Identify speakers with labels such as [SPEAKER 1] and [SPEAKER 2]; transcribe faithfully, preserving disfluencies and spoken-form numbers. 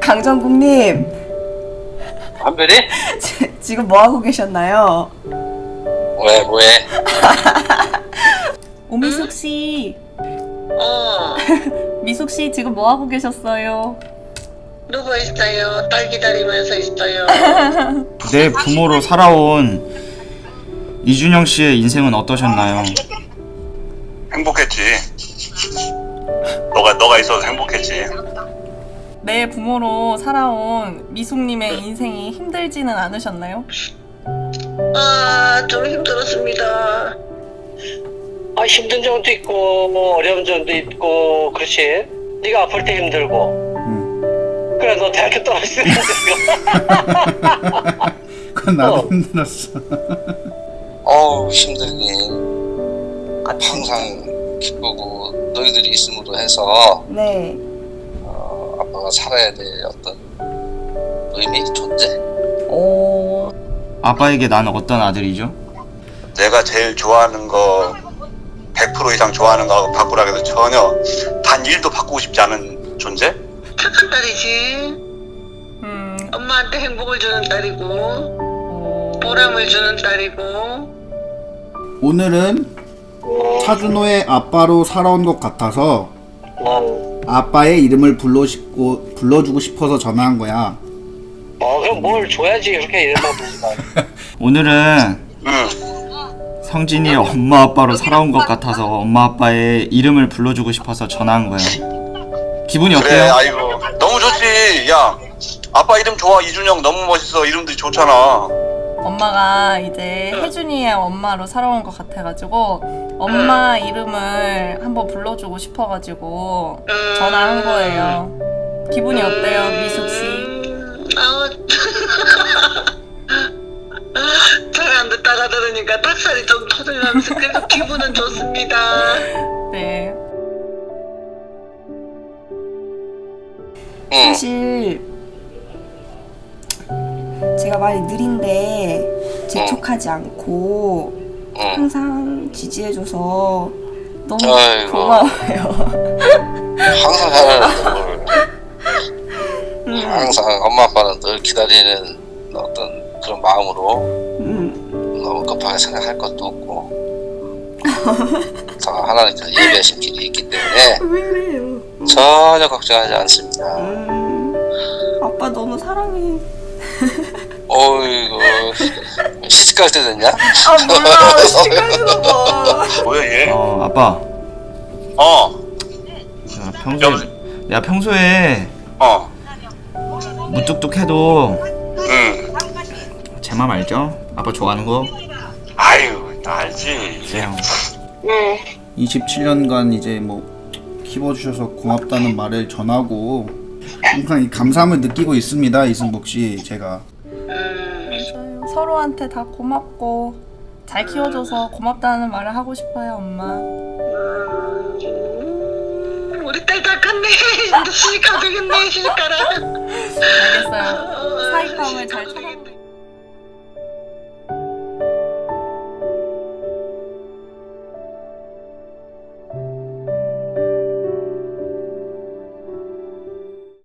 [SPEAKER 1] 강정국님.
[SPEAKER 2] 한별이?
[SPEAKER 1] 지금 뭐 하고 계셨나요?
[SPEAKER 2] 왜 뭐해?
[SPEAKER 1] 오미숙 씨.
[SPEAKER 3] 어,
[SPEAKER 1] 미숙 씨 지금 뭐 하고 계셨어요?
[SPEAKER 3] 누구 있어요? 딸 기다리면서 있어요.
[SPEAKER 4] 내 부모로 살아온 이준영 씨의 인생은 어떠셨나요?
[SPEAKER 5] 행복했지. 너가 너가 있어서 행복했지.
[SPEAKER 1] 내 부모로 살아온 미숙님의 인생이 힘들지는 않으셨나요?
[SPEAKER 3] 아, 좀 힘들었습니다.
[SPEAKER 2] 아 힘든 점도 있고 뭐 어려운 점도 있고 그렇지. 네가 아플 때 힘들고. 응. 그래 너 대학교 떨어질 때 힘들고.
[SPEAKER 4] 그건 나도
[SPEAKER 2] 어.
[SPEAKER 4] 힘들었어.
[SPEAKER 6] 어우 힘들긴 항상 기쁘고 너희들이 있음으로 해서
[SPEAKER 1] 네.
[SPEAKER 6] 어, 아빠가 살아야 될 어떤 의미, 존재?
[SPEAKER 1] 오.
[SPEAKER 4] 아빠에게 난 어떤 아들이죠?
[SPEAKER 5] 내가 제일 좋아하는 거 백 퍼센트 이상 좋아하는 거하고 바꾸라 해도 전혀 단 일도 바꾸고 싶지 않은 존재?
[SPEAKER 3] 착한 딸이지.
[SPEAKER 1] 음.
[SPEAKER 3] 엄마한테 행복을 주는 딸이고,
[SPEAKER 1] 오.
[SPEAKER 3] 보람을 주는 딸이고.
[SPEAKER 7] 오늘은 차준호의 아빠로 살아온 것 같아서
[SPEAKER 2] 어,
[SPEAKER 7] 아빠의 이름을 불러주고, 불러주고 싶어서 전화한 거야.
[SPEAKER 2] 어 그럼 뭘 줘야지 그렇게 이름만 부르지 마.
[SPEAKER 4] 오늘은
[SPEAKER 5] 응.
[SPEAKER 4] 성진이 엄마 아빠로 살아온 것 같아서 엄마 아빠의 이름을 불러주고 싶어서 전화한 거예요. 기분이
[SPEAKER 5] 그래,
[SPEAKER 4] 어때요?
[SPEAKER 5] 아이고 너무 좋지. 야, 아빠 이름 좋아. 이준영 너무 멋있어. 이름들이 좋잖아.
[SPEAKER 1] 엄마가 이제 혜준이의 엄마로 살아온 것 같아가지고 엄마 이름을 한번 불러주고 싶어가지고 전화한 거예요. 기분이 어때요, 미숙 씨?
[SPEAKER 3] 음, 아우. 잘 안 듣다가 들으니까 닭살이 좀 터져나면서 그래도 기분은 좋습니다.
[SPEAKER 1] 네.
[SPEAKER 6] 응.
[SPEAKER 1] 사실 제가 많이 느린데 재촉하지 않고
[SPEAKER 6] 응.
[SPEAKER 1] 항상 지지해줘서 너무
[SPEAKER 6] 아이고.
[SPEAKER 1] 고마워요.
[SPEAKER 6] 항상 잘하는 걸
[SPEAKER 1] 음,
[SPEAKER 6] 항상 엄마 아빠는 늘 기다리는 어떤 그런 마음으로
[SPEAKER 1] 음,
[SPEAKER 6] 너무 급하게 생각할 것도 없고 다 하나님께서 예배하신 길이 있기 때문에
[SPEAKER 1] 왜 이래요?
[SPEAKER 6] 전혀 걱정하지 않습니다.
[SPEAKER 1] 음, 아빠 너무 사랑해.
[SPEAKER 6] 어이구 시집갈 때 됐냐?
[SPEAKER 1] 아 몰라, 시간이나 봐.
[SPEAKER 5] 뭐야 얘?
[SPEAKER 4] 어 아빠.
[SPEAKER 5] 어,
[SPEAKER 4] 야, 평소에 야 평소에
[SPEAKER 5] 어,
[SPEAKER 4] 무뚝뚝해도
[SPEAKER 5] 응.
[SPEAKER 4] 제 맘 알죠? 아빠 좋아하는 거.
[SPEAKER 5] 아유, 나 알지.
[SPEAKER 4] 그래요.
[SPEAKER 3] 응.
[SPEAKER 7] 이십칠 년간 이제 뭐 키워주셔서 고맙다는 말을 전하고 항상 이 감사함을 느끼고 있습니다, 이승복 씨. 제가
[SPEAKER 1] 맞아요. 서로한테 다 고맙고 잘 키워줘서 고맙다는 말을 하고 싶어요, 엄마.
[SPEAKER 3] 음, 우리 딸 다 컸네. 이제 시집가도 되겠네, 시집가라.
[SPEAKER 1] 알겠어요. 사이감을 잘 찾아.